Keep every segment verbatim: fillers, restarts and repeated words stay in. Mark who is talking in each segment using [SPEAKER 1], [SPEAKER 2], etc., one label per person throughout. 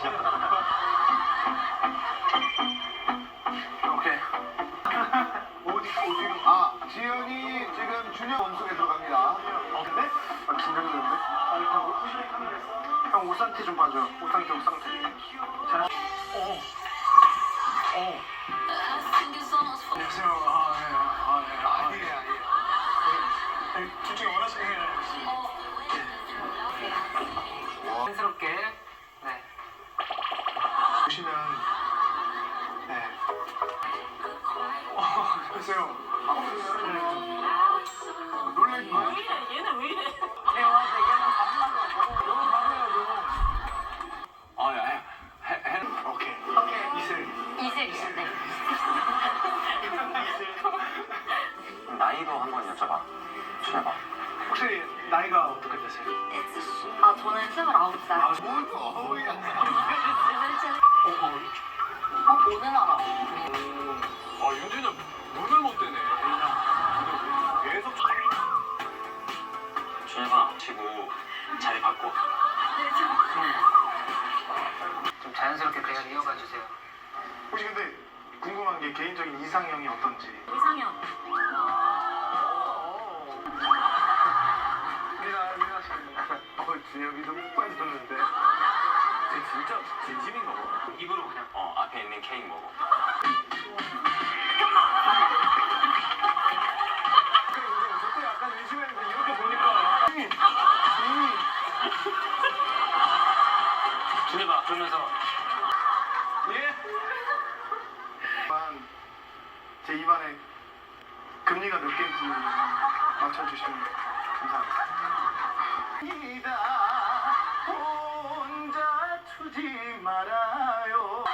[SPEAKER 1] 오케이. 어디 어디로? 아 지현이 지금 준영 몸속에 들어갑니다. 어 근데? 아 긴장되는데? 아 일단 옷 형 옷 상태 좀 봐줘요. 옷 상태 옷 상태. 자. 어. 어. 안녕하세요. 아 예. 아 예. 아니에요 아니에요. 둘 중에 원하시는 게
[SPEAKER 2] 자연스럽게 네.
[SPEAKER 1] 보시면 네. 어, 글쎄요. 아, 놀라지 마요.
[SPEAKER 3] 왜 이래? 얘는 왜 이래?
[SPEAKER 2] 대화 대결은 밥만
[SPEAKER 1] 너무 가세요,
[SPEAKER 4] 아, 야, 해, 해, 해.
[SPEAKER 1] 너. 오케이.
[SPEAKER 3] 오케이.
[SPEAKER 1] 이슬.
[SPEAKER 3] 이슬이요. 네.
[SPEAKER 1] 이슬.
[SPEAKER 4] 나이도 한번 여쭤봐. 여쭤봐.
[SPEAKER 1] 혹시 나이가 어떻게 되세요?
[SPEAKER 3] 아 저는 스물아홉 살.
[SPEAKER 1] 아, 뭘 또 어우야.
[SPEAKER 3] 어, 오는 알아.
[SPEAKER 4] 아, 윤준이 눈을 못 떼네. 계속. 준혁아, 치고 자리 바꿔.
[SPEAKER 2] 좀 자연스럽게 대화를 이어가 주세요.
[SPEAKER 1] 혹시 근데 궁금한 게 개인적인 이상형이 어떤지.
[SPEAKER 3] 이상형.
[SPEAKER 1] 미나, 미나 씨. 어, 준혁이도 못 빠졌는데.
[SPEAKER 4] 쟤 진짜 진심인가 봐. 입으로 그냥 어 앞에 있는 케이크 먹어.
[SPEAKER 1] 저때 약간 의심했는데 이렇게 보니까.
[SPEAKER 2] 준혁아 그러면서
[SPEAKER 1] 예? 제 입안에 금리가 몇 개인지 맞춰주시면 감사하겠습니다. 이다 혼자 두지 말아요.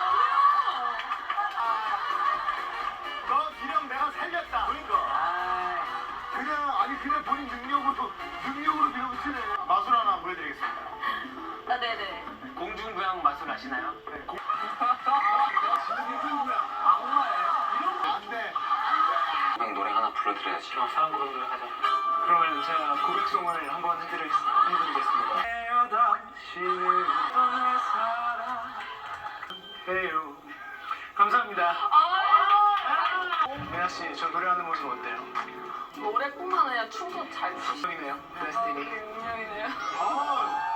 [SPEAKER 1] 너 기령 내가 살렸다. 그러니까. 그냥 아니 그냥 본인 능력으로 능력으로 밀어붙이네. 마술 하나 보여드리겠습니다.
[SPEAKER 3] 아 네네.
[SPEAKER 2] 공중부양 마술 아시나요?
[SPEAKER 1] 네, 고... 진짜 공중부양. 악마예요? 이런 거 안 돼.
[SPEAKER 4] 그냥 노래 하나 불러드려야지.
[SPEAKER 2] 어, 사람 부르는 걸 하자.
[SPEAKER 1] 그러면 제가 고백송을 한번 해드리, 해드리겠습니다. 당신을 떠나 사랑해요. 감사합니다. 미나 씨, 저 노래하는 모습 어때요?
[SPEAKER 3] 노래뿐만 아니라 춤도 잘 추.
[SPEAKER 1] 운명이네요, 데스티니.
[SPEAKER 3] 운명이네요.
[SPEAKER 1] 아,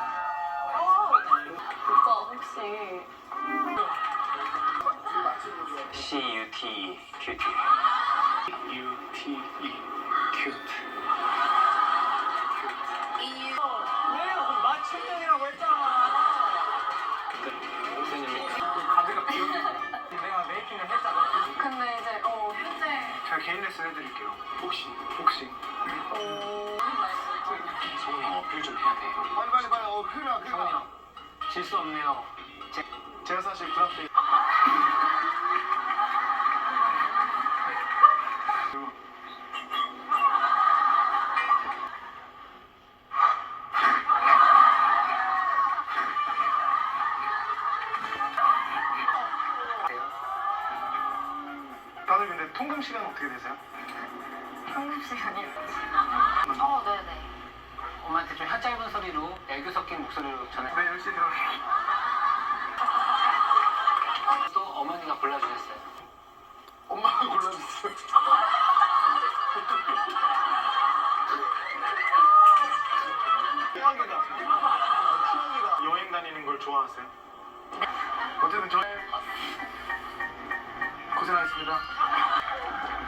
[SPEAKER 3] 오빠 혹시
[SPEAKER 4] C U T E 큐티.
[SPEAKER 1] U T E, 큐트.
[SPEAKER 3] 왜요? 맞춤형이라고 했잖아.
[SPEAKER 1] 가드가 비었네. 내가 메이킹을 했잖아.
[SPEAKER 3] 근데 이제 어 현재
[SPEAKER 1] 제가 개인 레슨 해드릴게요. 혹시, 혹시.
[SPEAKER 3] 어
[SPEAKER 4] 성훈이 어필 좀 해야 돼.
[SPEAKER 1] 빨리 빨리 빨리. 어, 큰일 나, 큰일
[SPEAKER 2] 성훈이
[SPEAKER 1] 나.
[SPEAKER 2] 형, 질 수 없네요. 제,
[SPEAKER 1] 제가 사실 드랍돼. 다들 근데 통금 시간 어떻게 되세요?
[SPEAKER 3] 한국 시간이요. 어 네네.
[SPEAKER 2] 엄마한테 좀 혀 짧은 소리로 애교 섞인 목소리로 전해.
[SPEAKER 1] 네, 열 시 들어가요.
[SPEAKER 2] 또 어머니가 골라주셨어요.
[SPEAKER 1] 엄마가 골라줬어요. 희망이다. 희망이다. 여행 다니는 걸 좋아하세요? 어쨌든 저 고생하셨습니다.